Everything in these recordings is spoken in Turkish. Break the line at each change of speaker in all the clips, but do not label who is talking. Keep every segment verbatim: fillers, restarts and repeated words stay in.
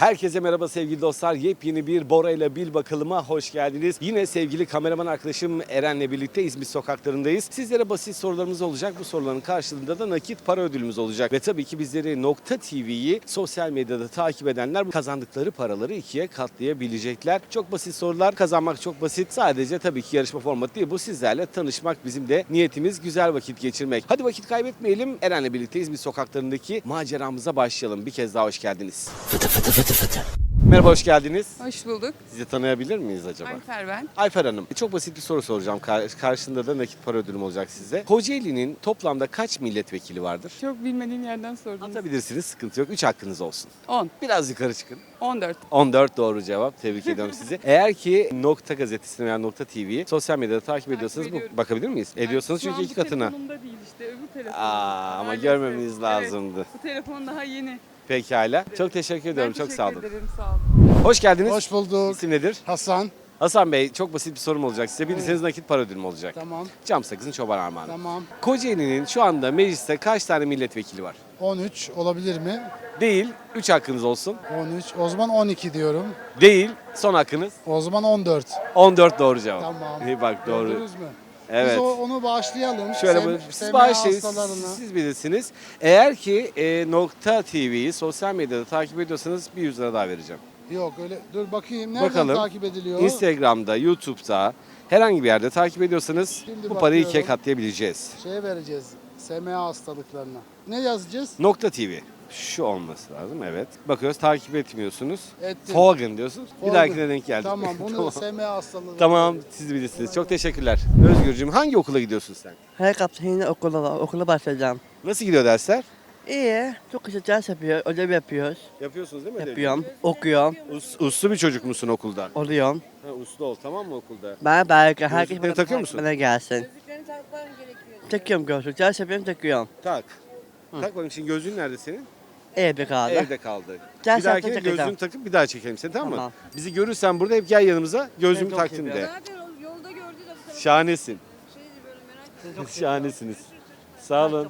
Herkese merhaba sevgili dostlar. Yepyeni bir Bora ile Bil Bakalım'a hoş geldiniz. Yine sevgili kameraman arkadaşım Eren'le birlikte İzmit sokaklarındayız. Sizlere basit sorularımız olacak. Bu soruların karşılığında da nakit para ödülümüz olacak. Ve tabii ki bizleri Nokta T V'yi sosyal medyada takip edenler kazandıkları paraları ikiye katlayabilecekler. Çok basit sorular. Kazanmak çok basit. Sadece tabii ki yarışma formatı değil. Bu sizlerle tanışmak bizim de niyetimiz, güzel vakit geçirmek. Hadi vakit kaybetmeyelim. Eren'le birlikte İzmit sokaklarındaki maceramıza başlayalım. Bir kez daha hoş geldiniz. Fıtı fıtı fıtı fıtı. Merhaba, hoş geldiniz.
Hoş bulduk.
Sizi tanıyabilir miyiz acaba?
Ayfer ben.
Ayfer Hanım, çok basit bir soru soracağım. Kar- Karşında da nakit para ödülüm olacak size. Kocaeli'nin toplamda kaç milletvekili vardır?
Çok bilmediğim yerden sordunuz.
Atabilirsiniz, sıkıntı yok. üç hakkınız olsun.
on.
Biraz yukarı çıkın.
on dört.
on dört doğru cevap. Tebrik ediyorum sizi. Eğer ki Nokta Gazetesi'ni veya Nokta T V'yi sosyal medyada takip ediyorsanız bu,
ediyorum.
bakabilir miyiz? Ediyorsanız çünkü iki katına.
Telefonumda değil işte öbür telefonumda.
Aa, ama
Maalesef.
görmemeniz
Evet,
lazımdı.
bu telefon daha yeni.
Pekala. Çok teşekkür ediyorum.
Ben
Çok sağ olun.
teşekkür ederim, sağ olun.
Hoş geldiniz.
Hoş bulduk.
İsim nedir?
Hasan.
Hasan Bey, çok basit bir sorum olacak size. Bilirseniz nakit para ödülüm olacak.
Tamam.
Cam sakızın çoban armağanı.
Tamam.
Kocaeli'nin şu anda mecliste kaç tane milletvekili var?
on üç olabilir mi?
Değil. üç hakkınız olsun.
on üç. O zaman on iki diyorum.
Değil. Son hakkınız.
O zaman on dört.
on dört doğru cevap.
Tamam.
İyi bak, doğru.
Gördünüz mü?
Evet.
Biz o, onu bağışlayalım.
Şöyle
Sem-
bu, siz
S M A
bağışlayın,
hastalarına.
siz bilirsiniz. Eğer ki e, Nokta T V'yi sosyal medyada takip ediyorsanız bir yüz lira daha vereceğim.
Yok öyle. Dur bakayım. Nereden
Bakalım.
takip ediliyor?
Instagram'da, YouTube'da herhangi bir yerde takip ediyorsanız
Şimdi
bu parayı ikiye
bakıyorum.
katlayabileceğiz.
Şeye vereceğiz. S M A hastalıklarına. Ne yazacağız?
Nokta T V. Şu olması lazım, evet. Bakıyoruz, takip etmiyorsunuz.
Ettim.
Fogan diyorsunuz. Bir
Oldu.
dahakine denk geldik.
Tamam bunu
tamam.
S M A hastalığı.
Tamam, siz bilirsiniz. Çok teşekkürler. Özgürcüğüm, hangi okula gidiyorsun sen?
Her kapta yine okula, okula başlayacağım.
Nasıl gidiyor dersler?
İyi, çok güzel ders yapıyor, ödev yapıyoruz.
Yapıyorsunuz değil mi?
Yapıyorum, okuyorum,
Us, uslu bir çocuk musun okulda?
oluyorum.
Ha, uslu ol, tamam mı okulda?
Ben belki herkes
Gözlükleri
bana,
takıyor musun?
bana gelsin. Takıyorum gözlük, ders yapıyorum, takıyorum.
Tak. Tak bakayım, şimdi gözlüğün nerede senin?
Evde kaldı.
Evde kaldı.
Ders
bir dahakine
yaptım, takacağım.
gözlüğünü takıp bir daha çekelim seni, tamam mı?
Tamam.
Bizi görürsen burada hep gel yanımıza, gözlüğümü
çok
taktın de.
seviyorum.
Zaten o yolda gördü de bu tarafa
Şahanesin.
şeydi böyle merak ettim.
Şahanesiniz. Sağ olun.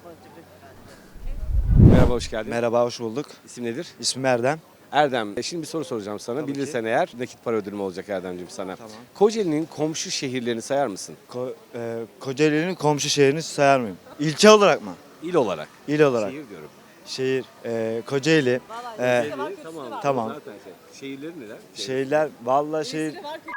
Merhaba, hoş geldin.
Merhaba, hoş bulduk.
İsim nedir?
İsmim Erdem.
Erdem. E, Şimdi bir soru soracağım sana.
Tabii
Bilirsen eğer nakit para ödülüm olacak Erdemciğim sana.
Tamam.
Kocaeli'nin komşu şehirlerini sayar mısın?
Ko- e, Kocaeli'nin komşu şehrini sayar mıyım? İlçe olarak mı?
İl olarak.
İl olarak.
Şehir diyorum.
Şehir, e, Kocaeli. E,
Tamam.
Tamam.
Zaten şey. Şehirleri neler?
şehirler, vallahi şehir...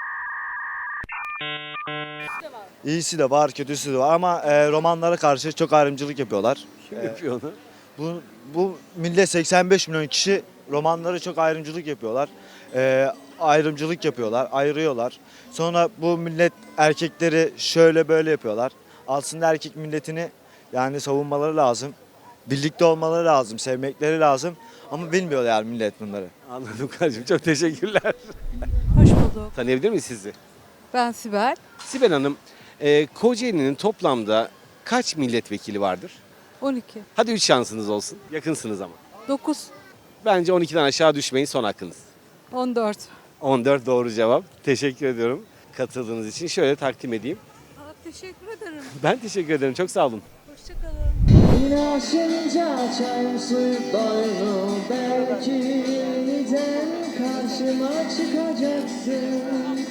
İyisi de var, kötüsü de var ama e, romanlara karşı çok ayrımcılık yapıyorlar.
Kim yapıyor onu?
Bu, bu millet seksen beş milyon kişi romanlara çok ayrımcılık yapıyorlar. Ee, ayrımcılık yapıyorlar, ayırıyorlar. Sonra bu millet erkekleri şöyle böyle yapıyorlar. Aslında erkek milletini yani savunmaları lazım. Birlikte olmaları lazım, sevmekleri lazım. Ama bilmiyor yani millet bunları.
Anladım kardeşim. Çok teşekkürler.
Hoş bulduk.
Tanıyabilir miyiz sizi?
Ben Sibel.
Sibel Hanım, e, Kocaeli'nin toplamda kaç milletvekili vardır?
on iki.
Hadi üç şansınız olsun. Yakınsınız ama.
dokuz.
Bence on ikiden aşağı düşmeyin, son hakkınız.
on dört.
on dört doğru cevap. Teşekkür ediyorum katıldığınız için. Şöyle takdim edeyim.
Aa, teşekkür ederim.
Ben teşekkür ederim. Çok sağ olun.
Hoşçakalın.
Yine aşınca açar suyu doyru belki yeniden karşıma çıkacaksın.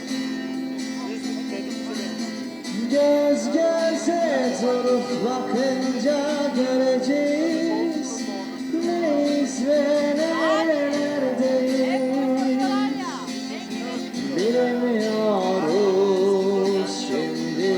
Göz göze durup bakınca göreceğiz neyiz ve nerelerdeyiz. Bilemiyoruz şimdi.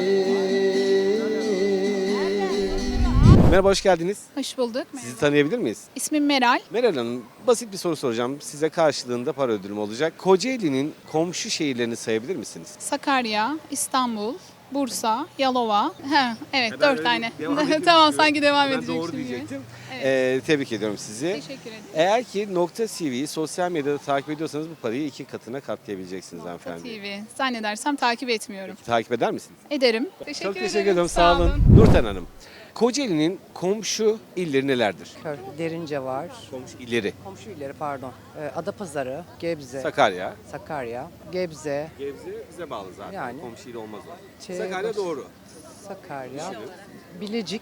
Merhaba, hoş geldiniz.
Hoş bulduk.
Sizi tanıyabilir miyiz?
İsmim Meral.
Meral Hanım, basit bir soru soracağım. Size karşılığında para ödülüm olacak. Kocaeli'nin komşu şehirlerini sayabilir misiniz?
Sakarya, İstanbul, Bursa, Yalova. He, evet
Ben
dört
öyle
tane.
devam edeyim
Tamam
istiyorum.
sanki devam
Ben
edeceksin
doğru
gibi.
diyecektim.
Evet.
Ee, tebrik ediyorum sizi.
Teşekkür ederim.
Eğer ki Nokta T V'yi sosyal medyada takip ediyorsanız bu parayı iki katına katlayabileceksiniz
Nokta
hanımefendi.
T V. Zannedersem takip etmiyorum.
Peki, takip eder misiniz?
Ederim. Teşekkür
Çok
ederim.
teşekkür ederim. Sağ olun. Nurten Hanım, Kocaeli'nin komşu illeri nelerdir?
Kör, Derince var.
Komşu illeri.
Komşu illeri pardon. Ee, Adapazarı, Gebze,
Sakarya.
Sakarya, Gebze,
Gebze bize bağlı zaten.
Yani.
Komşu il olmaz o.
Şey-
Sakarya doğru.
Sakarya, Bilecik,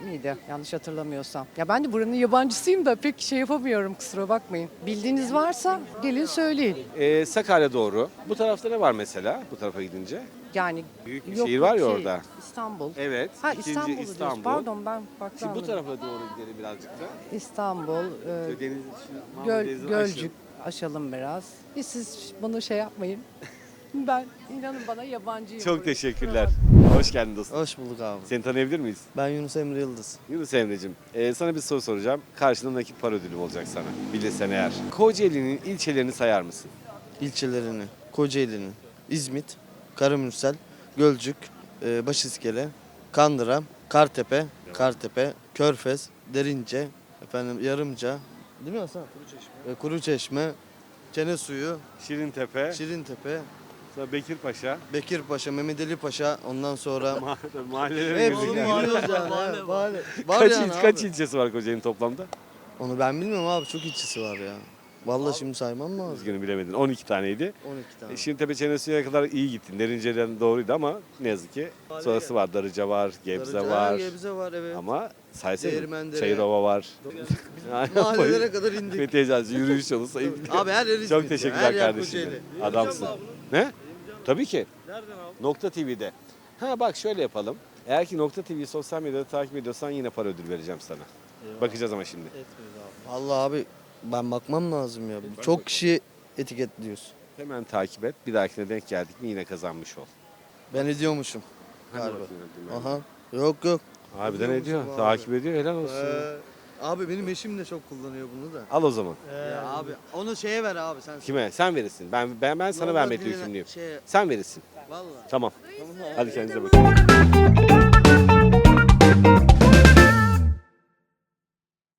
miydi? Yanlış hatırlamıyorsam. Ya ben de buranın yabancısıyım da pek şey yapamıyorum, kusura bakmayın. Bildiğiniz varsa gelin söyleyin.
Ee, Sakarya doğru. Bu tarafta ne var mesela bu tarafa gidince?
Yani
Büyük bir
yok,
şehir var ya
şey,
orada.
İstanbul.
Evet.
Ha
ikinci
İstanbul'u diyorsun.
İstanbul.
Pardon ben farklı
Şimdi bu
anladım.
tarafa doğru gidelim birazcık da.
İstanbul, e,
Deniz,
Göl,
Denizin
Gölcük aşalım biraz. Hiç siz bunu şey yapmayın. Ben inanın bana yabancıyım.
Çok
buraya.
teşekkürler. Hoş geldin dostum.
Hoş bulduk abi.
Seni tanıyabilir miyiz?
Ben Yunus Emre Yıldız.
Yunus Emre'cim, e, sana bir soru soracağım. Karşında nakit para ödülü olacak sana. Bilirsen eğer. Kocaeli'nin ilçelerini sayar mısın?
İlçelerini, Kocaeli'nin, İzmit, Karamürsel, Gölcük, e, Başiskele, Kandıra, Kartepe, Kartepe, Körfez, Derince, efendim Yarımca, değil mi Hasan? Kuruçeşme. E, Kuruçeşme, Çenesuyu,
Şirintepe,
Şirintepe,
sonra Bekirpaşa.
Bekirpaşa, Mehmet Ali Paşa, ondan sonra
Mahallelere
hepsini
girdik yani.
biliyoruz yani. Mahalle, mahalle. Var
Kaç,
yani
il,
abi.
kaç ilçesi var Kocaeli'nin toplamda?
Onu ben bilmiyorum abi, çok ilçesi var ya. Vallahi şimdi saymam lazım.
Üzgünüm bilemedin. on iki taneydi.
on iki tane.
E, Şirintepe Çenesu'ya kadar iyi gittin. Derince'den doğruydu ama ne yazık ki sonrası var. Darıca var, Gebze
Darıca,
var.
Gebze var evet.
Ama saysana.
Değirmendere.
Çayırova var.
Mahallelere kadar indik.
Fethi Eczacı yürüyüş yolu sayıp
Abi her yer İzmit
Çok
ya,
teşekkürler
her yer
kardeşim.
Kocaeli.
Adamsın. Ne? Tabii ki. Nereden aldın? Nokta T V'de. Ha bak şöyle yapalım. Eğer ki Nokta T V'yi sosyal medyada takip ediyorsan yine para ödül vereceğim sana. Bakacağız ama şimdi.
Vallahi abi ben bakmam lazım ya. Çok kişi etiketliyorsun.
Hemen takip et. Bir dahakine denk geldik mi yine kazanmış ol.
Ben ediyormuşum.
Hadi
Galiba.
bakayım, hadi ben.
Aha. Yok yok.
Harbiden
Ediyor
ediyor.
musun abi?
Takip ediyor. Helal olsun.
Ee, abi benim eşim de çok kullanıyor bunu da.
Al o zaman.
Ya abi onu şeye ver abi sen.
Kime? Sen verirsin. Ben ben ben sana
Vallahi
vermekle
birine
yükümlüyüm.
Şey,
Sen verirsin.
vallahi.
Tamam. Hadi kendinize bakın.